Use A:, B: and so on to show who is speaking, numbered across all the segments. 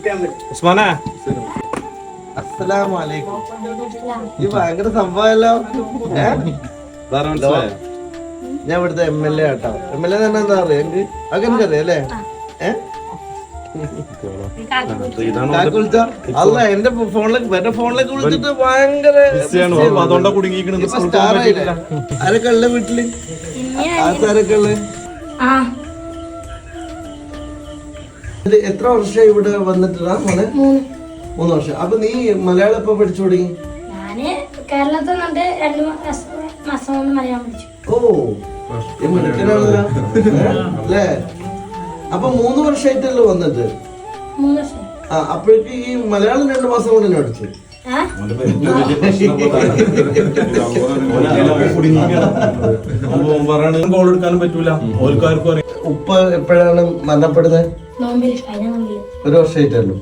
A: ഉസ്മാനെ
B: അസ്സലാമലൈക്കും. ഈ ഭയങ്കര സംഭവമല്ലോ. ഞാൻ ഇവിടുത്തെ MLA ആട്ടോ. MLA തന്നെ എന്താ പറയാ എനിക്ക് അതൊക്കെ അറിയാം അല്ലേ? അല്ല എന്റെ ഫോണിലേക്ക് വിളിച്ചിട്ട് ഭയങ്കര ആരൊക്കെ ഉള്ള വീട്ടില് ആരൊക്കെ ഉള്ള എത്ര വർഷം ഇവിടെ വന്നിട്ടാ മോനെ? 3 വർഷം. അപ്പൊ നീ മലയാളം എപ്പോ പഠിച്ചു തുടങ്ങി?
C: കേരളത്തിൽ 2 മാസം കൊണ്ട് മലയാളം പഠിച്ചു.
B: ഓ മിടുക്കനാണല്ലോ അല്ലേ? അപ്പൊ 3 വർഷമായിട്ടല്ലോ വന്നിട്ട്?
C: 3 വർഷം.
B: ആ അപ്പോഴേക്ക് ഈ മലയാളം 2 മാസം കൊണ്ട് തന്നെ പഠിച്ചു. ഉപ്പ എപ്പോഴാണ് മരണപ്പെടുന്നത്? 1 വർഷമായിട്ടല്ലോ.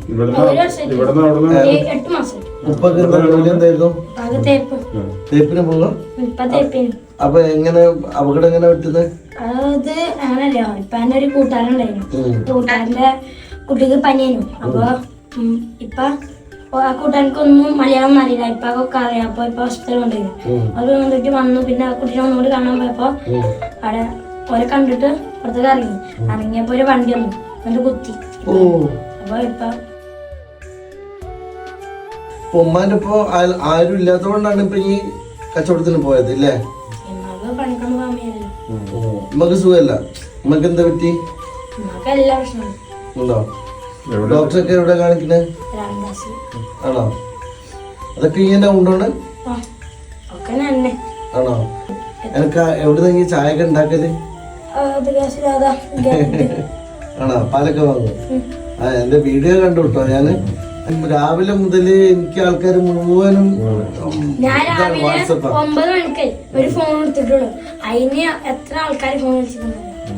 B: ഉപ്പൊക്കെ ജോലി എന്തായിരുന്നു? തേപ്പിന് പോകാം. അപ്പൊ എങ്ങനെ അപകടം എങ്ങനെ പറ്റുന്നത്?
C: അത് അങ്ങനല്ലോ. ഇപ്പൊ എന്റെ ഒരു കൂട്ടുകാരുണ്ടായിരുന്നു. കൂട്ടുകാരന്റെ കുട്ടിക്ക് പനിയായിരുന്നു. അപ്പൊ ഇപ്പൊ ആ കൂട്ടുകാർക്കൊന്നും മലയാളം അറിയില്ല. ഇപ്പൊ ഒക്കെ അറിയാം. അപ്പൊ ഇപ്പൊ ഹോസ്പിറ്റലിൽ കൊണ്ടുപോയി. അത് വന്നിട്ട് വന്നു. പിന്നെ ആ കുട്ടീനെ ഒന്നുകൂടി കാണാൻ പോയപ്പോ അവിടെ ഓരെ കണ്ടിട്ട് പുറത്തേക്ക് ഇറങ്ങിയപ്പോ ഒരു വണ്ടി വന്നു എന്നിട്ട് കുത്തി. അപ്പൊ ഇപ്പൊ
B: ഉമ്മാന്റെ ഇപ്പൊ ആരും ഇല്ലാത്തതുകൊണ്ടാണ് ഇപ്പൊ ഈ കച്ചവടത്തിന് പോയത് ഇല്ലേ?
C: പണിക്കൊന്നും പോകാൻ വയ്യല്ലോ.
B: ഉമ്മക്ക് സുഖമല്ല. ഉമ്മക്ക് എന്താ പറ്റി?
C: എല്ലാ പ്രശ്നവും
B: ഉണ്ടോ? ഡോക്ടറൊക്കെ എവിടെ കാണിക്കുന്നത്? ആണോ? അതൊക്കെ ഇങ്ങനെ ഉണ്ടോണ്ട് ആണോ? എനക്ക് എവിടെ ചായ ഒക്കെ ഉണ്ടാക്കല്? ആണോ? പാലൊക്കെ വാങ്ങും. ആ എന്റെ വീഡിയോ കണ്ടു കേട്ടോ. ഞാന് രാവിലെ മുതല് എനിക്ക് ആൾക്കാർ മുഴുവനും
C: വാട്സപ്പ് 9 മണിക്ക് ഒരു ഫോൺ എടുത്തിട്ടുള്ളൂ. അതിന് എത്ര ആൾക്കാർ ഫോൺ വിളിച്ചിട്ടുണ്ടോ?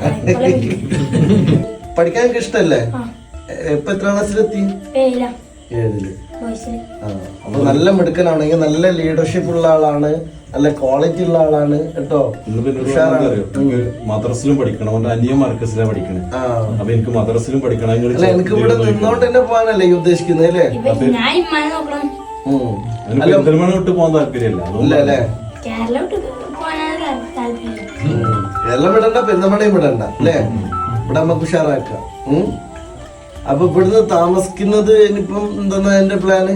B: പഠിക്കാൻ എനിക്ക് ഇഷ്ടല്ലേ? ഇപ്പൊ എത്ര ക്ലാസ്സിലെത്തി? 7ല്. അപ്പൊ നല്ല മിടുക്കനാണെങ്കിൽ നല്ല ലീഡർഷിപ്പ് ഉള്ള ആളാണ്, നല്ല ക്വാളിറ്റി ഉള്ള ആളാണ് കേട്ടോ.
A: മദ്രസിലും പഠിക്കണം. അവന്റെ അനിയൻ മർക്കസിലാണ് പഠിക്കണേ. അപ്പൊ എനിക്ക് മദ്രസിലും പഠിക്കണം.
B: എനിക്ക് ഇവിടെ നിന്നോണ്ട് തന്നെ പോകാനല്ലേ ഈ ഉദ്ദേശിക്കുന്നത് അല്ലേ?
A: പെരിന്തൽമണ്ണ വിട്ട് പോകാൻ താല്പര്യമില്ല
B: അല്ലേ? കേരളം വിടണ്ട, പെരുന്തൽമണ്ണയും വിടണ്ട അല്ലേ? ഇവിടെ നമുക്ക് ഉഷാറാക്കാം. അപ്പൊ ഇവിടുന്ന് താമസിക്കുന്നത് ഇനിയിപ്പം എന്താ എന്റെ പ്ലാന്?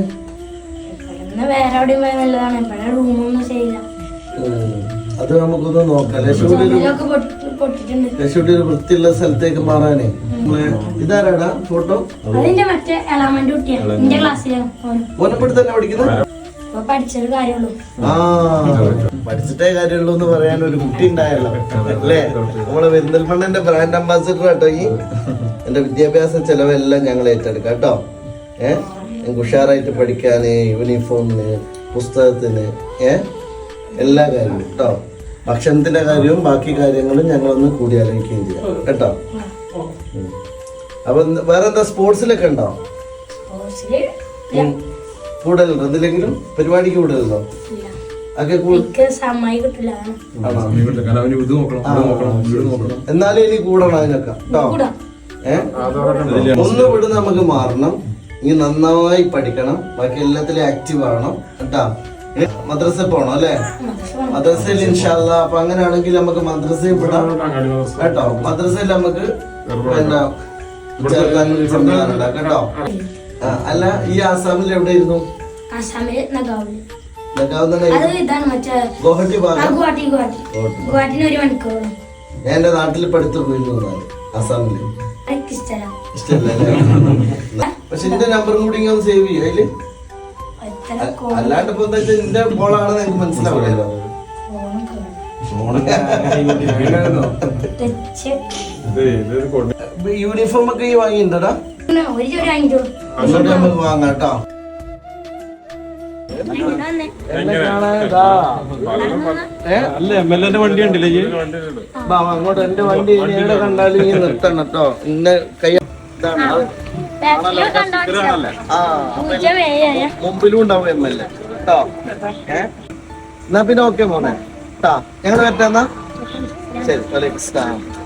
B: അത് നമുക്കൊന്ന് നോക്കാം. ലക്ഷ്മിയുടെ ഒരു വൃത്തിയുള്ള സ്ഥലത്തേക്ക് മാറാനേ. ഇതാരാടാ ഫോട്ടോ? ഓനപ്പെടുത്ത് തന്നെ പഠിക്കുന്നത്? പഠിച്ചിട്ടേ കാര്യമുള്ളൂ എന്ന് പറയാൻ ഒരു കുട്ടി ഉണ്ടായല്ലോ അല്ലേ? നമ്മളെ പെരിന്തൽമണ്ണന്റെ ബ്രാൻഡ് അംബാസിഡർ കേട്ടോ. ഈ എന്റെ വിദ്യാഭ്യാസ ചെലവെല്ലാം ഞങ്ങൾ ഏറ്റെടുക്കാം കേട്ടോ. ഞങ്ങൾക്ക് ഉഷാറായിട്ട് പഠിക്കാന്, യൂണിഫോമിന്, പുസ്തകത്തിന്, എല്ലാ കാര്യവും കേട്ടോ. ഭക്ഷണത്തിന്റെ കാര്യവും ബാക്കി കാര്യങ്ങളും ഞങ്ങളൊന്ന് കൂടി ആലോചിക്കുകയും ചെയ്യാം കേട്ടോ. അപ്പൊ വേറെന്താ സ്പോർട്സിലൊക്കെ ഉണ്ടോ? കൂടുതലുണ്ടോ? എന്തിലെങ്കിലും പരിപാടിക്ക് കൂടുതലുണ്ടോ? എന്നാലും ഇനി കൂടണം അതിനൊക്കെ കേട്ടോ. ഒന്ന് വിടുന്ന നമുക്ക് മാറണം. ഇനി നന്നായി പഠിക്കണം. ബാക്കി എല്ലാത്തിലും ആക്റ്റീവ് ആവണം കേട്ടാ. മദ്രസ പോണം അല്ലെ? മദ്രസയിൽ ഇൻഷാല്ല. അപ്പൊ അങ്ങനെയാണെങ്കിൽ നമുക്ക് മദ്രസയിൽ വിടാം കേട്ടോ. മദ്രസയിൽ നമുക്ക് ചേർക്കാൻ സംവിധാനം ഉണ്ടാക്കാം കേട്ടോ. അല്ല ഈ ആസാമിൽ എവിടെയായിരുന്നു? ഗുവാഹട്ടി ഭാഗം. ഞാൻ എന്റെ നാട്ടിൽ പഠിത്തു പോയിരുന്നു ആസാമില്. ഇഷ്ടല്ലേ? പക്ഷെ എന്റെ നമ്പറും കൂടി ഇങ്ങനെ സേവ് ചെയ്യും അതില്. അല്ലാണ്ട് ഇപ്പൊ എന്താ വെച്ചാൽ എന്റെ ബോളാണെന്ന് എനിക്ക് മനസ്സിലാവില്ലല്ലോ. യൂണിഫോം ഒക്കെ ഈ വാങ്ങിയിട്ടുണ്ടോടാ? നമുക്ക് വാങ്ങാം കേട്ടോ.
A: അല്ല MLA വണ്ടി ഉണ്ടല്ലേ?
B: അങ്ങോട്ട് എന്റെ വണ്ടി എവിടെ കണ്ടാലും ഈ നിർത്തണം കേട്ടോ. ഇന്ന കൈ മുമ്പിലും ഉണ്ടാവും MLA കേട്ടോ. എന്നാ പിന്നെ ഓക്കെ മോനെ കേട്ടാ. ഞങ്ങൾ പറ്റാന്നാ ശരി. വലൈക്കും സ്സലാം.